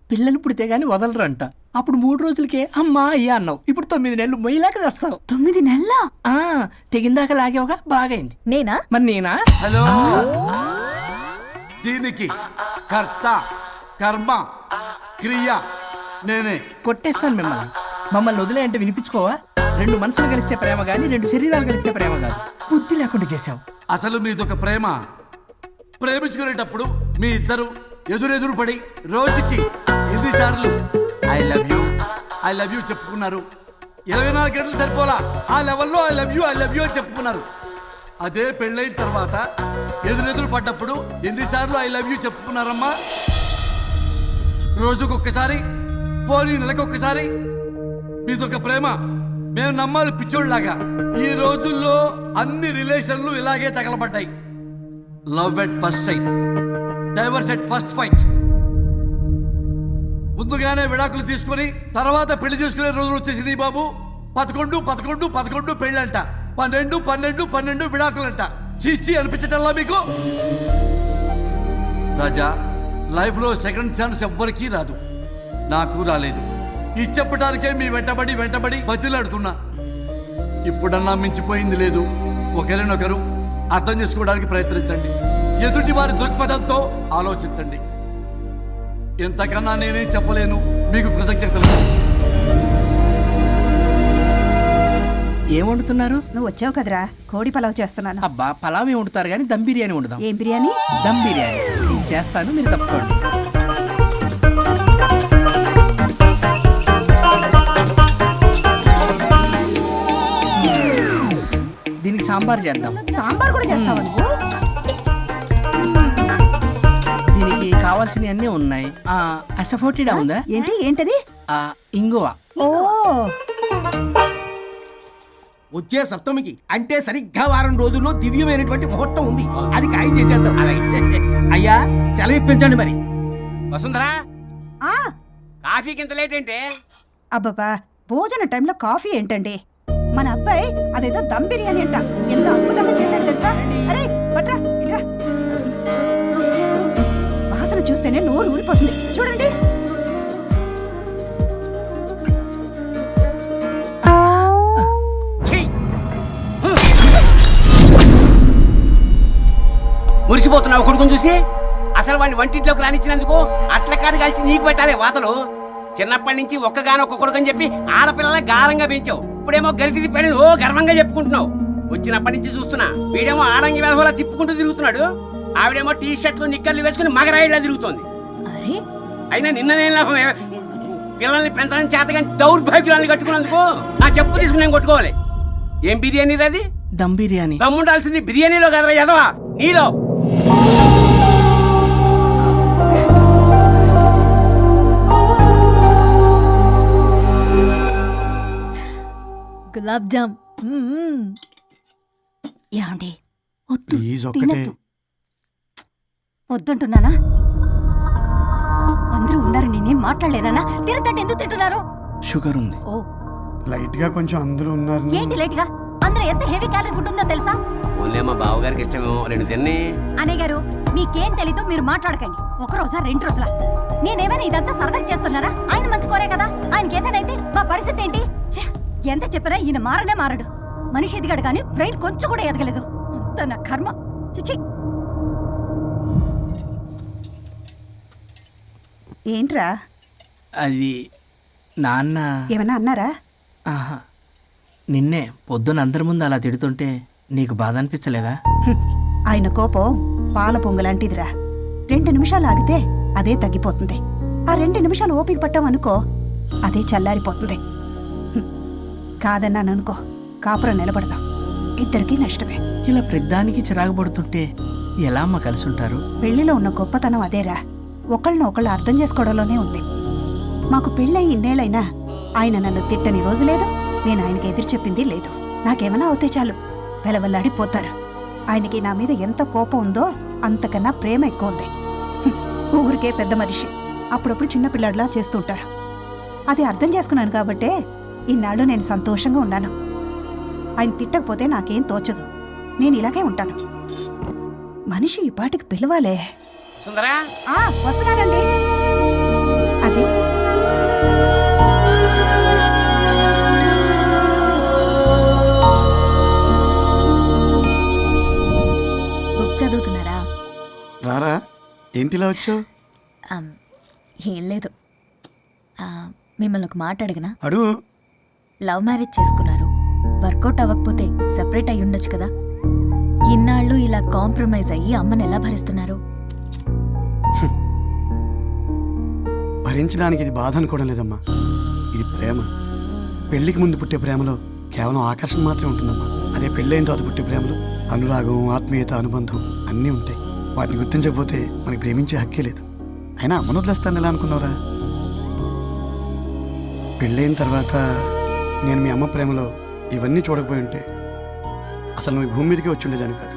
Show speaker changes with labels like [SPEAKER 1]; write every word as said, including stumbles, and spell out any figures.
[SPEAKER 1] పిల్లలు పుడితే గానీ వదలరు అంట. అప్పుడు మూడు రోజులకే అమ్మా అయ్యా అన్నావు, ఇప్పుడు తొమ్మిది నెలలు మొయ్యలాగా చేస్తావు.
[SPEAKER 2] తొమ్మిది నెలల
[SPEAKER 1] తెగిందాక లాగేవగా బాగైంది.
[SPEAKER 2] నేనా?
[SPEAKER 1] మరి నేనా?
[SPEAKER 3] హలో, దీనికి కర్త కర్మ క్రియ నేనే.
[SPEAKER 1] కొట్టేస్తాను మిమ్మల్ని. మమ్మల్ని వదిలే అంటే వినిపించుకోవా? రెండు మనసులు కలిస్తే ప్రేమ గాని రెండు శరీరాలు కలిస్తే ప్రేమ కాదు. బుద్ధి లేకుండా చేసావు.
[SPEAKER 3] అసలు మీదొక ప్రేమ. ప్రేమించుకునేటప్పుడు మీ ఇద్దరు ఎదురెదురు పడి రోజుకి ఎన్నిసార్లు I love you I love you చెప్పుకున్నారు? ఇరవై నాలుగు గంటలు సరిపోలా ఆ లెవెల్లో I love you I love you అని చెప్పుకున్నారు. అదే పెళ్ళైన తర్వాత ఎదురెదురు పడ్డప్పుడు ఎన్నిసార్లు ఐ లవ్ యూ చెప్పుకున్నారమ్మా? రోజుకొక్కసారి, పోనీ నెలకొక్కసారి. మీదొక ప్రేమ. మేము నమ్మాలి పిచ్చోళ్ళలాగా. ఈ రోజుల్లో అన్ని రిలేషన్లు ఇలాగే తగలబడ్డాయి. Love at first sight, divorce at first fight. ముందుగానే విడాకులు తీసుకుని తర్వాత పెళ్లి చేసుకునే రోజులు వచ్చేసింది బాబు. పదకొండు పదకొండు పదకొండు పెళ్ళంట, పన్నెండు పన్నెండు పన్నెండు విడాకులంట. చీచి అనిపించటల్లా మీకు? రాజా, లైఫ్లో సెకండ్ ఛాన్స్ ఎవ్వరికీ రాదు. నాకు రాలేదు. ఈ చెప్పడానికే మీ వెంటబడి వెంటబడి బతిలాడుతున్నా. ఇప్పుడన్నా మించిపోయింది లేదు. ఒకరినొకరు అర్థం చేసుకోవడానికి ప్రయత్నించండి. ఎదుటి వారి దృక్పథంతో ఆలోచించండి. ఎంతకన్నా నేనేం చెప్పలేను. మీకు కృతజ్ఞతలు.
[SPEAKER 1] ఏం వండుతున్నారు?
[SPEAKER 2] నువ్వు వచ్చావు కదరా, కోడి పలావ్ చేస్తున్నాను.
[SPEAKER 1] అబ్బా, పలావ్ ఏం వండుతారు కానీ దమ్ బిర్యానీ వండుదాం.
[SPEAKER 2] ఏం బిర్యానీ?
[SPEAKER 1] దమ్ బిర్యానీ నేను చేస్తాను, మీరు తప్పుకోండి. దీనికి సాంబార్ చేద్దాం.
[SPEAKER 2] సాంబార్ కూడా చేస్తావా నువ్వు?
[SPEAKER 1] దీనికి కావాల్సినవి అన్నీ ఉన్నాయి. అసఫోటిడా ఉందా?
[SPEAKER 2] ఏంటి ఏంటది?
[SPEAKER 1] ఆ, ఇంగువ.
[SPEAKER 2] ఓ,
[SPEAKER 4] వచ్చే సప్తమికి అంటే సరిగ్గా వారం రోజుల్లో దివ్యమైనటువంటి ముహూర్తం ఉంది. అది ఖాయం చేసేద్దాం. అయ్యా, సెలవు ఇప్పించండి మరి.
[SPEAKER 5] వసుంధరా,
[SPEAKER 2] ఆ
[SPEAKER 5] కాఫీకి ఇంత లేట్ ఏంటి?
[SPEAKER 2] అబ్బబ్బా, భోజన టైంలో కాఫీ ఏంటండి? మన అబ్బాయి అదేదో దమ్ బిర్యానీ అంట, ఎంత అద్భుతంగా చేశాడు తెలుసా? అరే పట్రా ఇట్రా. వాసన చూస్తేనే నోరు ఊరిపోతుంది. చూడండి.
[SPEAKER 5] మురిసిపోతున్నావు కొడుకుని చూసి? అసలు వాడిని వంటింట్లోకి రానిచ్చినందుకు అట్ల కాడు కలిసి నీకు పెట్టాలి వాతలు. చిన్నప్పటి నుంచి ఒక్కగానొక్క కొడుకు అని చెప్పి ఆడపిల్లల గారంగా పెంచావు. ఇప్పుడేమో గరిటి తిప్పాడు ఓ గర్వంగా చెప్పుకుంటున్నావు. వచ్చినప్పటి నుంచి చూస్తున్నా, వీడేమో ఆడంగి వేధవలా తిప్పుకుంటూ తిరుగుతున్నాడు. ఆవిడేమో టీ షర్ట్లు నిక్కర్లు వేసుకుని మగరాయిలా తిరుగుతోంది. అయినా నిన్న నేను పిల్లల్ని పెంచడం చేత కానీ దౌర్భాగ్యురాన్ని కట్టుకున్నందుకు నా చెప్పు తీసుకుని నేను కొట్టుకోవాలి. ఏం బిర్యానీ అది?
[SPEAKER 1] దమ్ బిర్యానీ.
[SPEAKER 5] దమ్ముండాల్సింది బిర్యానీలో కదరా ఎదవా, నీలో.
[SPEAKER 2] గులాబ్ జామ్. యాండి వద్దంటున్నానా? అందరూ ఉన్నారు, నేనేం మాట్లాడలేనా? తినకంటే ఎందుకు తింటున్నారు?
[SPEAKER 1] షుగర్ ఉంది.
[SPEAKER 2] ఓ,
[SPEAKER 6] లైట్ గా కొంచెం అందరూ ఉన్నారు.
[SPEAKER 2] ఏంటి లైట్ గా? అందులో ఎంత హెవీ క్యాలరీ ఫుడ్ ఉందో తెలుసా?
[SPEAKER 5] ఓన్లే మా బావగారికి ఇష్టమేమో రెండు తిన్ని.
[SPEAKER 2] అనే గారు, మీకేం తెలీదు, మీరు మాట్లాడకండి. ఒక రోజా రెండు రోజుల నేనేమైనా ఇదంతా సరదా చేస్తున్నారా? ఆయన మంచి కోరే కదా. ఆయనకి ఏదైతే మా పరిస్థితి ఏంటి? ఎంత చెప్పినా ఈయన మారనే మారడు. మనిషి ఎదిగాడు కానీ బ్రెయిన్ కొంచెం కూడా ఎదగలేదు. అంత నా కర్మ. చిచి. ఏంట్రా?
[SPEAKER 1] అది నాన్న
[SPEAKER 2] ఏమన్నా అన్నారా?
[SPEAKER 1] ఆహా, నిన్నే పొద్దున అందరి ముందు అలా తిడుతుంటే నీకు బాధ అనిపించలేదా?
[SPEAKER 2] ఆయన కోపం పాల పొంగులాంటిదిరా. రెండు నిమిషాలు ఆగితే అదే తగ్గిపోతుంది. ఆ రెండు నిమిషాలు ఓపిక పట్టామనుకో, అదే చల్లారిపోతుంది. కాదన్నాననుకో, కాపురం నిలబడదాం. ఇద్దరికీ నష్టమే.
[SPEAKER 1] ఇలా ప్రతిదానికి చిరాకు పడుతుంటే ఎలా అమ్మ కలిసి ఉంటారు?
[SPEAKER 2] పెళ్లిలో ఉన్న గొప్పతనం అదేరా, ఒకళ్ళని ఒకళ్ళు అర్థం చేసుకోవడంలోనే ఉంది. మాకు పెళ్ళయి ఇన్నేళ్ళైనా ఆయన నన్ను తిట్టని రోజు లేదు, నేను ఆయనకి ఎదురు చెప్పింది లేదు. నాకేమైనా అవుతే చాలు వెలవల్లాడిపోతారు. ఆయనకి నా మీద ఎంత కోపం ఉందో అంతకన్నా ప్రేమ ఎక్కువ ఉంది. ఊరికే పెద్ద మనిషి, అప్పుడప్పుడు చిన్నపిల్లాడిలా చేస్తుంటారు. అది అర్థం చేసుకున్నాను కాబట్టే ఇన్నాళ్ళు నేను సంతోషంగా ఉన్నాను. ఆయన తిట్టకపోతే నాకేం తోచదు. నేను ఇలాగే ఉంటాను. మనిషి ఈ పాటికి పిలవాలే.
[SPEAKER 5] సుందరా,
[SPEAKER 2] వస్తున్నానండి. అదే
[SPEAKER 6] ఏంటిలా వచ్చావు?
[SPEAKER 7] ఆమ్, ఏం లేదు ఆ, మిమ్మల్ని ఒక మాట అడిగినా
[SPEAKER 6] అడుగు.
[SPEAKER 7] లవ్ మ్యారేజ్ చేసుకున్నారు, వర్కౌట్ అవ్వకపోతే సెపరేట్ అయి ఉండొచ్చు కదా. ఇన్నాళ్ళు ఇలా కాంప్రమైజ్ అయ్యి అమ్మని ఎలా భరిస్తున్నారు?
[SPEAKER 6] భరించడానికి ఇది బాధ అనుకోవడం లేదమ్మా, ఇది ప్రేమ. పెళ్లికి ముందు పుట్టే ప్రేమలో కేవలం ఆకర్షణ మాత్రమే ఉంటుందమ్మా. అదే పెళ్ళైన తర్వాత పుట్టే ప్రేమలో అనురాగం, ఆత్మీయత, అనుబంధం అన్నీ ఉంటాయి. వాటిని గుర్తించకపోతే మనకి ప్రేమించే హక్కే లేదు. అయినా అమ్మను వదిలేస్తాను ఎలా అనుకున్నావురా? పెళ్ళైన తర్వాత నేను మీ అమ్మ ప్రేమలో ఇవన్నీ చూడకపోయి ఉంటే అసలు నువ్వు ఈ భూమి మీదకే వచ్చి ఉండేదాన్ని కాదు.